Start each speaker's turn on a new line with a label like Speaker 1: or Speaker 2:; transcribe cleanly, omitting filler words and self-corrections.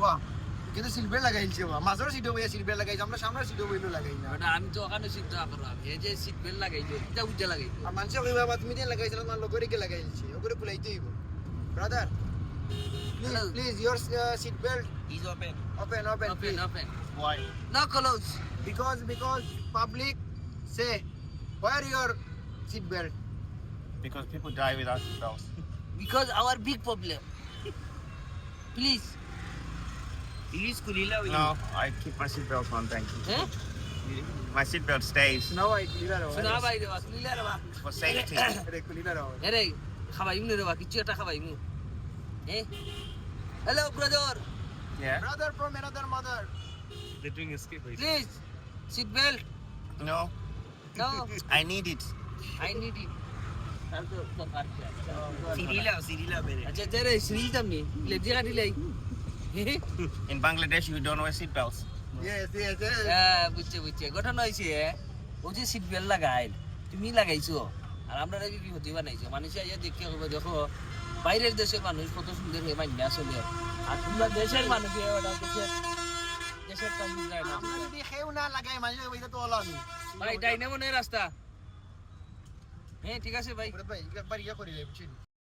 Speaker 1: বাহ কিন্তু seat belt লাগাইছে বাহ মাঝের সিটে বইয়া সিট বেল্ট লাগাইছে আমরা সামনের সিটে বইলো লাগাই না
Speaker 2: ওটা আমি তো ওখানে চিন্তা করলাম এই যে সিট বেল্ট লাগাইছো এটা উজ্জা লাগাইছো
Speaker 1: আর মানুষ কইবা বাবা তুমি দিয়ে লাগাইছিল তোমার লগরে কে লাগাইছে ওগরে খুলাইতে হইব brother please your seat belt
Speaker 3: Is open.
Speaker 1: open
Speaker 2: open
Speaker 1: please.
Speaker 2: Open
Speaker 3: Why?
Speaker 2: No close
Speaker 1: because public say wear your seat belt
Speaker 3: Because people die without seatbelts.
Speaker 2: Because our big problem please
Speaker 3: Please, Kulila. No, I keep my seatbelt on, thank you.
Speaker 2: হ্যাঁ
Speaker 3: My seatbelt stays
Speaker 1: now I clear
Speaker 2: শোনা ভাই রে বাস মিলা রে বা
Speaker 3: for safety.
Speaker 1: রে clear
Speaker 2: আরে খাবাইমু রে বা কিছু একটা খাবাইমু hello brother
Speaker 3: Yeah.
Speaker 1: brother from another mother
Speaker 3: They're doing a skip.
Speaker 2: Please seat belt
Speaker 3: No,
Speaker 2: no
Speaker 3: I need it.
Speaker 2: I need it
Speaker 3: Sirila, mere.
Speaker 2: আচ্ছা তেরে শ্রী তামনি লেজি গাড়ি লাই
Speaker 3: In Bangladesh, you don't wear seatbelts.
Speaker 1: yes
Speaker 2: হ্যাঁ বুঝছে ঘটনা হয়েছে ও যে seat belt লাগাই তুমি লাগাইছো আর আমরা বিপত্তি বানাইছো মানুষ আইয়া দেখে কইবো দেখো বাইরের দেশের মানুষ কত সুন্দর হয়ে মাইনা চলে আর তোমরা দেশের মানুষ দেশের কাম যায় না
Speaker 1: আমরা যদি খেউ না লাগাই মাঝে ওইটা তো ওলানি
Speaker 2: ভাই ডাইনে মনে রাস্তা হ্যাঁ ঠিক আছে ভাই
Speaker 1: ভাই একবার ইয়া করি বুঝছেন